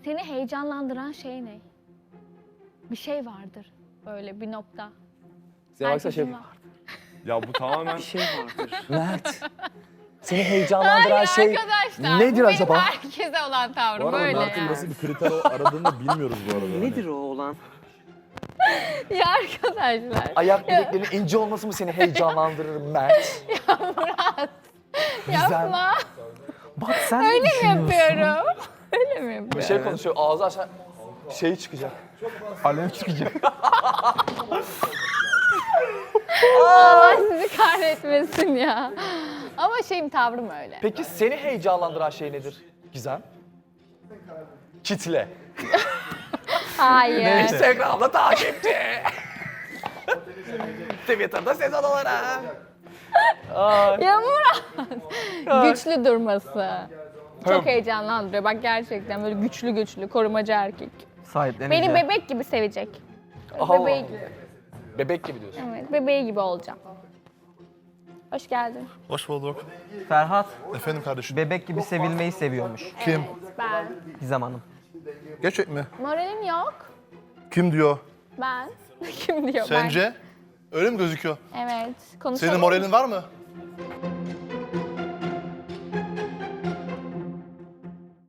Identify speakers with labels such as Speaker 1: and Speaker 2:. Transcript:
Speaker 1: Seni heyecanlandıran şey ne? Bir şey vardır. Böyle bir nokta.
Speaker 2: Size baksa şey...
Speaker 1: Herkesin var.
Speaker 3: Ya bu tamamen...
Speaker 2: Bir şey vardır. Mert. Seni heyecanlandıran
Speaker 1: Hayır
Speaker 2: şey
Speaker 1: arkadaşlar.
Speaker 2: nedir
Speaker 1: bu
Speaker 2: acaba?
Speaker 1: Benim herkese olan
Speaker 3: Bu
Speaker 1: tavrım
Speaker 3: arada
Speaker 1: böyle
Speaker 3: Mert'in
Speaker 1: yani.
Speaker 3: nasıl bir kriter aradığını bilmiyoruz bu arada.
Speaker 2: Nedir o olan?
Speaker 1: Ya arkadaşlar.
Speaker 2: Ayak bileklerinin ince olması mı seni heyecanlandırır Mert? Gizem.
Speaker 1: Yapma.
Speaker 2: Bak sen
Speaker 1: Öyle
Speaker 2: ne
Speaker 1: mi
Speaker 2: düşünüyorsun?
Speaker 1: yapıyorum? Öyle mi yapıyorum?
Speaker 2: Bir şey konuşuyor, ağzı aşağı şey çıkacak.
Speaker 3: Alev çıkacak.
Speaker 1: Allah sizi kahretmesin ya. Ama tavrım öyle.
Speaker 2: Peki seni heyecanlandıran şey nedir Gizem? Kitle.
Speaker 1: Hayır.
Speaker 2: Instagram'da takipçi. Twitter'da sezon olarak.
Speaker 1: Ya Murat. Güçlü durması. Çok heyecanlandırıyor. Bak gerçekten böyle güçlü, korumacı erkek.
Speaker 4: Sahipleneceğim.
Speaker 1: Beni bebek gibi sevecek.
Speaker 2: Allah
Speaker 1: Bebeği
Speaker 2: Allah.
Speaker 1: gibi.
Speaker 2: Bebek gibi diyorsun.
Speaker 1: Evet, bebeği gibi olacağım. Hoş geldin.
Speaker 3: Hoş bulduk.
Speaker 4: Ferhat
Speaker 3: Efendim kardeşim.
Speaker 4: bebek gibi sevilmeyi seviyormuş.
Speaker 3: Kim?
Speaker 1: Ben.
Speaker 4: Gizem Hanım.
Speaker 3: Gerçek mi?
Speaker 1: Moralim yok.
Speaker 3: Kim diyor?
Speaker 1: Ben. Kim diyor
Speaker 3: Sence? Öyle mi gözüküyor?
Speaker 1: ben? Evet. Konuşalım.
Speaker 3: Senin moralin var mı?